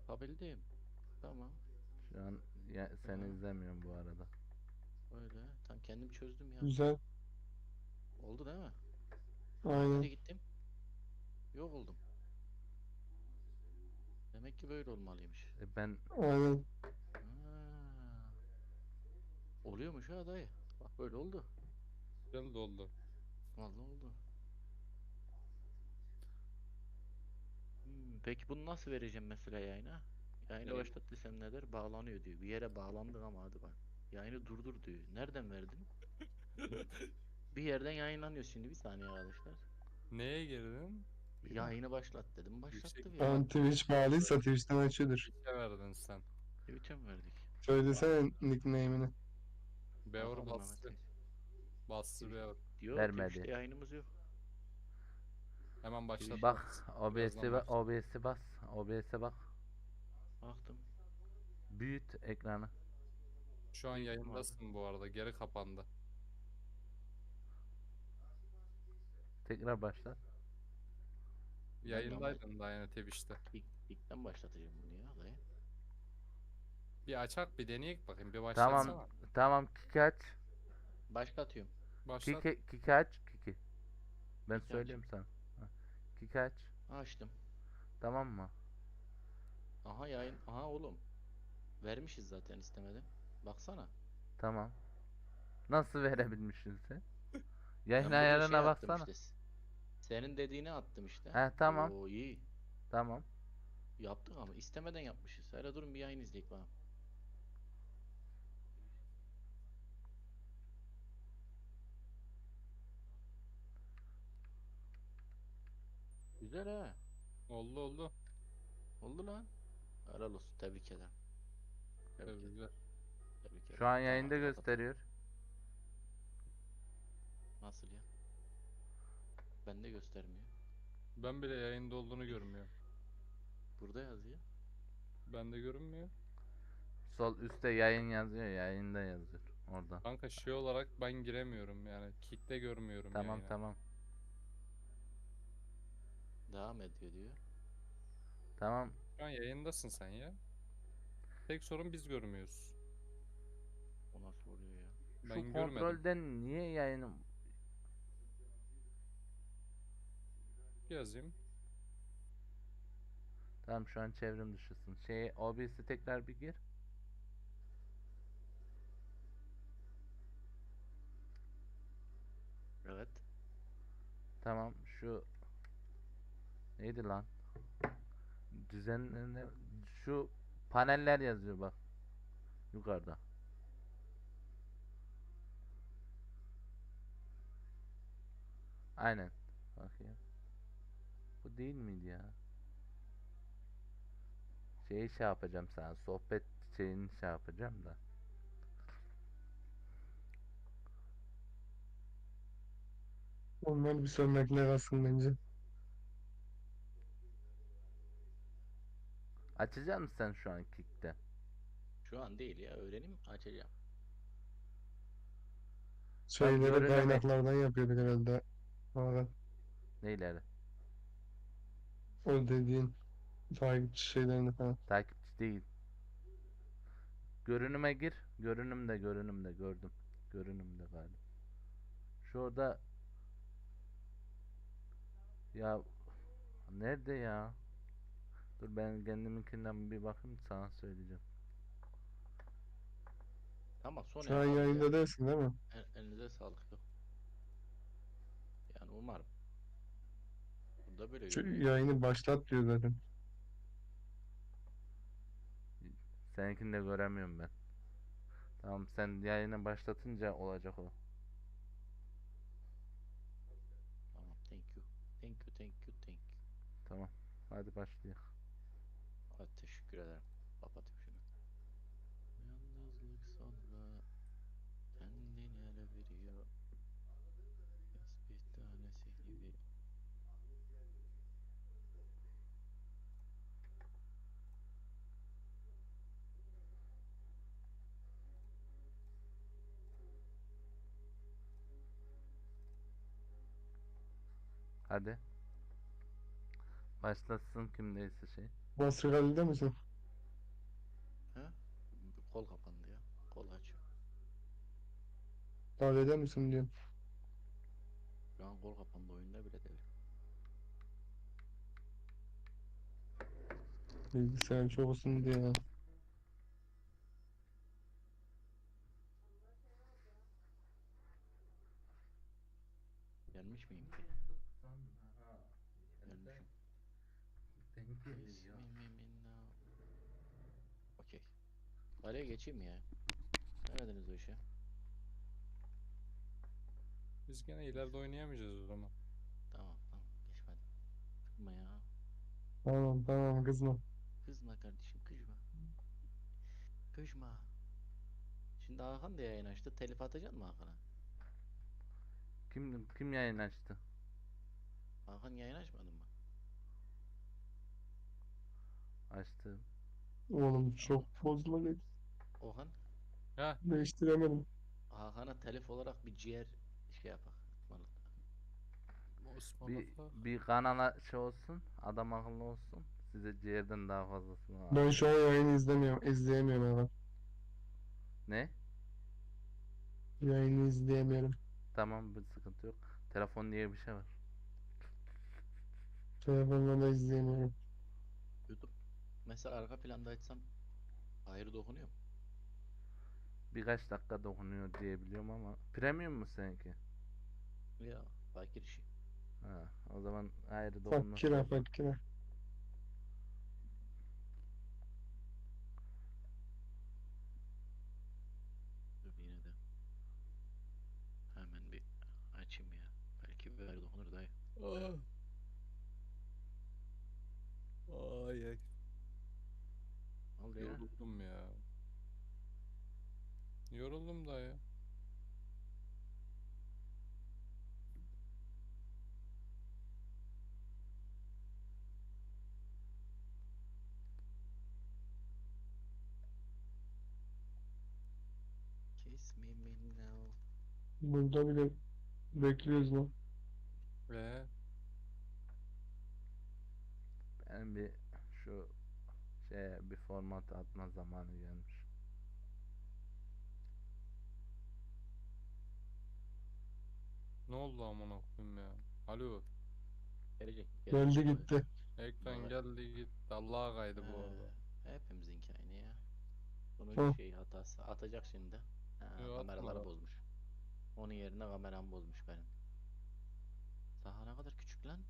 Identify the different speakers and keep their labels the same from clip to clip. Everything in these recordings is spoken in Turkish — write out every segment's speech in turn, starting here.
Speaker 1: Yapabildim. Tamam.
Speaker 2: Şu an seni
Speaker 1: Aha,
Speaker 2: izlemiyorum bu arada.
Speaker 1: öyle. Tam kendim çözdüm ya.
Speaker 3: Güzel.
Speaker 1: Oldu değil mi? Nereye
Speaker 3: Aynen.
Speaker 1: gittim? Yok oldum. Demek ki böyle olmalıymış.
Speaker 2: Ben
Speaker 3: Aynen.
Speaker 1: Ha, oluyormuş ha dayı. Bak böyle oldu.
Speaker 4: Güzel doldu.
Speaker 1: Vallahi oldu. Peki bunu nasıl vereceğim mesela yayına? Yayını
Speaker 4: Neyi?
Speaker 1: başlat desem ne der? Bağlanıyor diyor. Bir yere bağlandık ama hadi bak. Yayını durdur diyor. Nereden verdin? Bir yerden yayınlanıyor şimdi. Bir saniye arkadaşlar.
Speaker 4: Neye girdin?
Speaker 1: Yayını başlat dedim.
Speaker 4: Yüksek
Speaker 1: Başlattı bir
Speaker 3: Tamam,
Speaker 1: anda.
Speaker 3: Twitch bağlıysa Twitch'ten açıyordur.
Speaker 4: Twitch'e verdin sen.
Speaker 1: Twitch'e mi verdik?
Speaker 3: Söylesene nickname'ini.
Speaker 4: Beor
Speaker 1: Bakalım Mehmet
Speaker 4: bastı.
Speaker 1: Reis.
Speaker 4: Bastı
Speaker 1: Twitch
Speaker 4: Beor.
Speaker 1: diyor.
Speaker 2: vermedi.
Speaker 1: Twitch'te yayınımız yok.
Speaker 4: Hemen
Speaker 1: Twitch
Speaker 4: başlatmak
Speaker 2: Bak,
Speaker 4: için.
Speaker 2: OBS'i
Speaker 4: Birazdan başlat.
Speaker 2: OBS'i bas. OBS'e bak.
Speaker 1: baktım.
Speaker 2: Büyüt ekranı.
Speaker 4: Şu an
Speaker 1: Büyüttüm abi.
Speaker 4: yayındasın bu arada. Geri kapandı.
Speaker 2: Tekrar başlat.
Speaker 1: Ben de ama
Speaker 4: Yayındaydın daha yine Twitch'te.
Speaker 1: ilkten başlatacağım bunu ya dayı.
Speaker 4: Bir açak bir deneyek bakayım. Bir
Speaker 2: Tamam.
Speaker 4: başlatsana.
Speaker 2: Tamam, kiki aç.
Speaker 1: Başlatıyorum.
Speaker 4: Başlat.
Speaker 2: Kiki aç. Kiki. Ben
Speaker 1: Kiki aç.
Speaker 2: söyleyeyim sana. Ha, Kiki aç.
Speaker 1: Açtım.
Speaker 2: Tamam mı?
Speaker 1: Aha yayın. Aha oğlum. Vermişiz zaten istemeden. Baksana.
Speaker 2: Tamam. Nasıl verebilmişsin sen? Yayın
Speaker 1: Ben buraya şey
Speaker 2: ayarına
Speaker 1: attım
Speaker 2: baksana.
Speaker 1: işte. Senin dediğini attım işte.
Speaker 2: He, tamam.
Speaker 1: Oo iyi.
Speaker 2: Tamam.
Speaker 1: Yaptık ama istemeden yapmışız. Hele durun bir yayın izleyek bakalım. Güzel ha.
Speaker 4: Oldu oldu.
Speaker 1: Oldu lan. Helal olsun. Tebrik ederim. Tebrik ederim.
Speaker 4: Tebrikler.
Speaker 1: Tebrik ederim.
Speaker 2: Şu an
Speaker 1: Tamam
Speaker 2: yayında
Speaker 1: hadi kapatalım.
Speaker 2: gösteriyor.
Speaker 1: Nasıl ya? Bende göstermiyor.
Speaker 4: Ben bile yayında olduğunu görmüyorum.
Speaker 1: Burada yazıyor.
Speaker 4: Bende görünmüyor.
Speaker 2: Sol üstte yayın yazıyor. Yayında yazıyor. Orada.
Speaker 4: Kanka şey olarak ben giremiyorum yani. Kick'te görmüyorum
Speaker 2: Tamam,
Speaker 4: yayını.
Speaker 2: tamam.
Speaker 1: Devam ediyor diyor.
Speaker 2: Tamam.
Speaker 4: Şu an yayındasın sen ya. Tek sorun biz görmüyoruz.
Speaker 1: O nasıl oluyor ya?
Speaker 2: Şu
Speaker 4: Ben görmedim.
Speaker 2: kontrolden niye yayınım?
Speaker 4: Yazayım.
Speaker 2: Tamam, şu an çevrim dışısın. OBS'i tekrar bir gir.
Speaker 1: Evet.
Speaker 2: Tamam, şu neydi lan? Düzenleme, şu paneller yazıyor bak yukarıda. Aynen. Bakayım. Bu değil miydi ya? Şey yapacağım sana. Sohbet şeyini şey yapacağım da.
Speaker 3: Onlar bir sonrakine kalsın bence.
Speaker 2: Açacak mısın sen şu an Kick'te?
Speaker 1: Şu an değil ya. Öğrenim açacağım.
Speaker 2: Bak,
Speaker 3: Şeyleri
Speaker 2: görüneme
Speaker 3: kaynaklardan yapıyorduk herhalde. Sonra
Speaker 2: neyleri?
Speaker 3: o dediğin takipçi şeylerini falan.
Speaker 2: Takipçi değil. Görünüme gir. Görünümde gördüm. Görünümde galiba. Şurada ya, nerede ya? Dur, ben kendiminkinden bir bakayım, sana söyleyeceğim.
Speaker 1: Tamam sonra
Speaker 3: Şu an
Speaker 1: yaparız ya.
Speaker 3: yayında değilsin değil mi?
Speaker 1: Elinize sağlık. Yok. Yani umarım. Burada böyle
Speaker 3: Şu
Speaker 1: görünüyor.
Speaker 3: yayını başlat diyor zaten.
Speaker 2: Seninkini de göremiyorum ben. Tamam, sen yayını başlatınca olacak o.
Speaker 1: Tamam. Thank you. Thank you. Thank you. Thank you.
Speaker 2: Tamam. Hadi başlayalım.
Speaker 1: Hadi teşekkür ederim. Kapatayım şunu. Yalnızlık sonra kendini ele veriyor. Tesbih tanesi gibi.
Speaker 2: Hadi. Başlasın kimdeyse şey.
Speaker 3: Basri Ali'de misin? Davet eder misin diyorum.
Speaker 1: Şu an kol kapandı oyunda bile değil.
Speaker 3: Bilgisayar çok ısındı ya.
Speaker 1: Gelmiş miyim ki? Gelmişim.
Speaker 2: Denk geliyor.
Speaker 1: Bismillah. Okey. Araya geçeyim ya. Ne dediniz o işe?
Speaker 4: Biz gene ileride oynayamayacağız o zaman.
Speaker 1: Tamam tamam geçmedi. Kızma ya.
Speaker 3: Tamam tamam kızma.
Speaker 1: Kızma kardeşim kızma. Kızma. Şimdi Hakan da yayın açtı. Telif atacaksın mı Hakan'a?
Speaker 2: Kim yayın açtı?
Speaker 1: Hakan yayın açmadın mı?
Speaker 2: Açtı.
Speaker 3: Oğlum çok bozma
Speaker 1: Ohan.
Speaker 4: Ha,
Speaker 3: değiştiremedim.
Speaker 1: Hakan'a telif olarak bir ciğer şey yapak. Ismarla.
Speaker 2: Bir kanala şey olsun. Adam akıllı olsun. Size ciğerden daha fazlasını var.
Speaker 3: Ben şu an yayını izleyemiyorum hemen.
Speaker 2: Ne?
Speaker 3: Yayını izleyemiyorum.
Speaker 2: Tamam, bir sıkıntı yok. Telefon diye bir şey var.
Speaker 3: Telefonla da izleyemiyorum.
Speaker 1: YouTube. Mesela arka planda açsam hayır dokunuyor mu?
Speaker 2: Birkaç dakika dokunuyor diye biliyorum ama. Premium mu seninki?
Speaker 1: Ya fakir işi.
Speaker 2: Ha, o zaman ayrı dokunması
Speaker 3: Fakire
Speaker 2: yok.
Speaker 3: fakire.
Speaker 1: Dur yine de. Hemen bir açayım ya. Belki bir hayır dokunur dayı.
Speaker 4: Ay ay.
Speaker 1: Ne oldu ya?
Speaker 4: Yoruldum ya. Yoruldum da ya.
Speaker 1: Kiss me now.
Speaker 3: Burada bile bekliyoruz lan.
Speaker 4: Ve
Speaker 2: Benim bir şu bir format atma zamanı gelmiş.
Speaker 4: ne oldu amına koyayım ya? Alo.
Speaker 1: Gelecek.
Speaker 3: Geldi
Speaker 1: Gelecek.
Speaker 3: gitti.
Speaker 4: Ekran
Speaker 1: Vallahi.
Speaker 4: geldi gitti. Allah'a kaydı bu arada.
Speaker 1: Hepimizinki aynı ya. Bunun
Speaker 3: Hı.
Speaker 1: şey hatası. Atacak şimdi. Ha,
Speaker 4: Yo, atma
Speaker 1: kameraları
Speaker 4: lan.
Speaker 1: bozmuş. Onun yerine kameram bozmuş benim. Saha ne kadar küçük lan?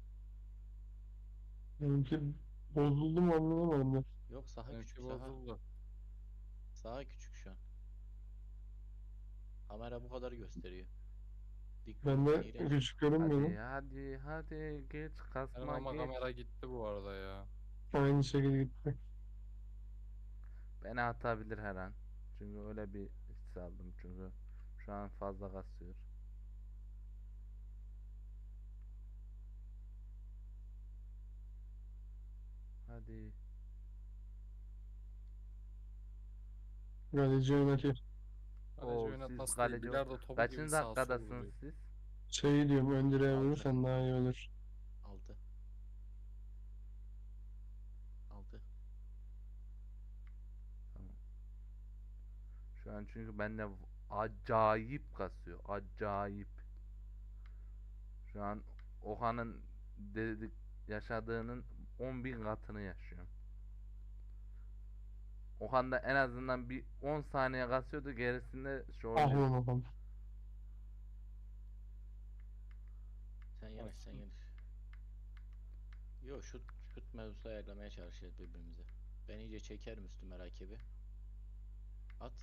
Speaker 3: Benimki bozuldu mu anlamadım ben.
Speaker 1: Yok saha
Speaker 4: Benimki
Speaker 1: küçük saha.
Speaker 4: bozuldu.
Speaker 1: Saha küçük şu an. Kamera bu kadar gösteriyor. Dik
Speaker 3: Ben de
Speaker 1: iğrenç.
Speaker 3: küçük görünmüyor
Speaker 2: Hadi
Speaker 3: mu?
Speaker 2: hadi hadi geç
Speaker 4: Benim
Speaker 2: kasma
Speaker 4: ama
Speaker 2: geç.
Speaker 4: kamera gitti bu arada ya.
Speaker 3: Aynı şekilde gitti.
Speaker 2: Beni atabilir her an. Çünkü öyle bir his aldım çünkü şu an fazla kasıyor. Hadi.
Speaker 3: Galeci oynatıyor.
Speaker 4: Kaleci
Speaker 2: Oo,
Speaker 4: oynatması
Speaker 2: siz
Speaker 4: değil.
Speaker 2: kaleci
Speaker 4: Bilardo topu gibi
Speaker 2: kaçıncı
Speaker 4: sağa sola
Speaker 2: dakikadasınız
Speaker 4: vuruyor.
Speaker 2: siz?
Speaker 3: Şey diyorum ön direğe
Speaker 1: Altı.
Speaker 3: vurursan daha iyi olur.
Speaker 1: 6. 6.
Speaker 2: Tamam. Şu an çünkü bende acayip kasıyor. Acayip. Şu an Okan'ın dedik yaşadığının 10.000 katını yaşıyorum. Okan da en azından bir 10 saniye kasıyordu, gerisinde şu
Speaker 3: Ah
Speaker 2: oluyor.
Speaker 3: lan oğlum.
Speaker 1: Sen yanaş sen yanaş. Yo şut mevzusu ayarlamaya çalışıyoruz birbirimize. Ben iyice çekerim üstüme rakibi. At.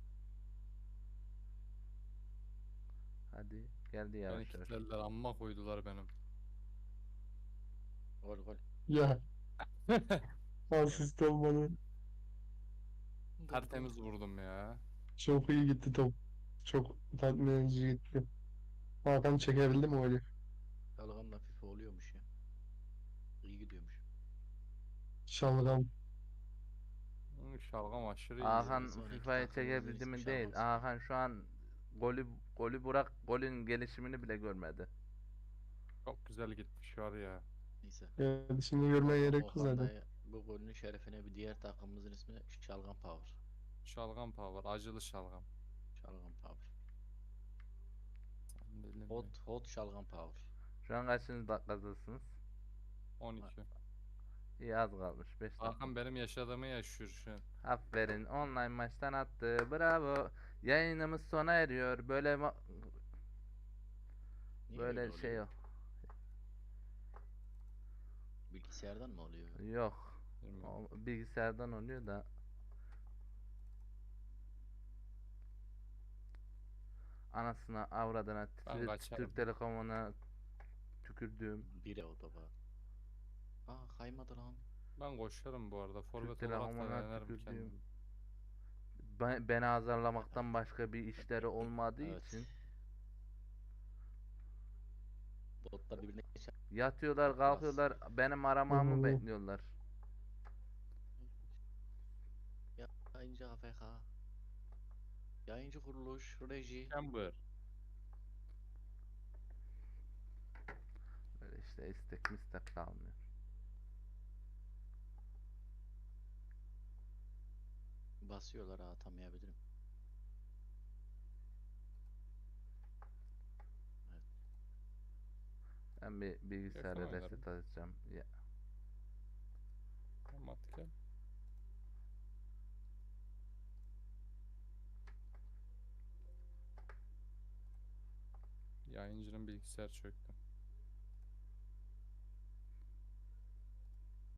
Speaker 2: Hadi geldi
Speaker 4: Beni
Speaker 2: yavaş yavaş.
Speaker 4: kilitlediler. Amma koydular benim.
Speaker 1: Gol gol.
Speaker 3: Ya asist olmadı.
Speaker 4: Tertemiz vurdum ya.
Speaker 3: Çok iyi gitti top. Çok tatmin edici gitti. Hakan çekebildi mi öyle?
Speaker 1: Dalgamla FIFA oluyormuş ya. İyi gidiyormuş.
Speaker 3: Şalgam.
Speaker 4: Şalgam aşırı iyi.
Speaker 2: Hakan
Speaker 1: Sonraki
Speaker 2: FIFA'yı
Speaker 1: takımımızın
Speaker 2: çekebildi
Speaker 1: ismi
Speaker 2: mi değil.
Speaker 1: Şalgam Spor.
Speaker 2: Hakan şu an golü bırak, golün gelişimini bile görmedi.
Speaker 4: Çok güzel gitmiş var ya.
Speaker 1: Neyse.
Speaker 3: Yani şimdi görmeye gerek yok
Speaker 1: Okan
Speaker 3: zaten.
Speaker 1: dayı bu golünün şerefine bir diğer takımımızın ismi Şalgam Power.
Speaker 4: Şalgam power. Acılı şalgam.
Speaker 1: Şalgam Power.
Speaker 4: Delirmeyin.
Speaker 1: Hot şalgam power.
Speaker 2: Şu an kaçıncı dakikadasınız?
Speaker 4: 12.
Speaker 2: İyi az kalmış. 5 dakika.
Speaker 4: Hakan benim yaşadığımı yaşıyor şu an.
Speaker 2: Aferin. Online maçtan attı. Bravo. Yayınımız sona eriyor. Böyle
Speaker 1: Niye öyle
Speaker 2: böyle şey
Speaker 1: oluyor?
Speaker 2: yok.
Speaker 1: Bilgisayardan mı oluyor?
Speaker 2: Yok.
Speaker 4: Bilmiyorum.
Speaker 2: O bilgisayardan oluyor da. Anasına, avradına,
Speaker 4: Ben kaçarım.
Speaker 2: Türk Telekom'una tükürdüğüm.
Speaker 1: Bire o da var. Aa kaymadı lan.
Speaker 4: Ben koşarım bu arada. Forvet olarak da
Speaker 2: Telekom'una
Speaker 4: denerim
Speaker 2: tükürdüğüm.
Speaker 4: kendimi.
Speaker 2: Beni azarlamaktan başka bir işleri olmadığı
Speaker 1: Evet.
Speaker 2: için
Speaker 1: Botlar birbirine geçer.
Speaker 2: yatıyorlar, kalkıyorlar, benim aramamı
Speaker 3: Hmm.
Speaker 2: bekliyorlar.
Speaker 1: Yayıncı AFK. Yayıncı kuruluş, reji.
Speaker 4: Chamber.
Speaker 2: Böyle işte istek mistek kalmıyor.
Speaker 1: Basıyorlar ha, atamayabilirim.
Speaker 2: Ben bir bilgisayara
Speaker 4: Yakın oynarım.
Speaker 2: reset atacağım. Ya,
Speaker 4: Tamam at gel. Yayıncının bilgisayar çöktü.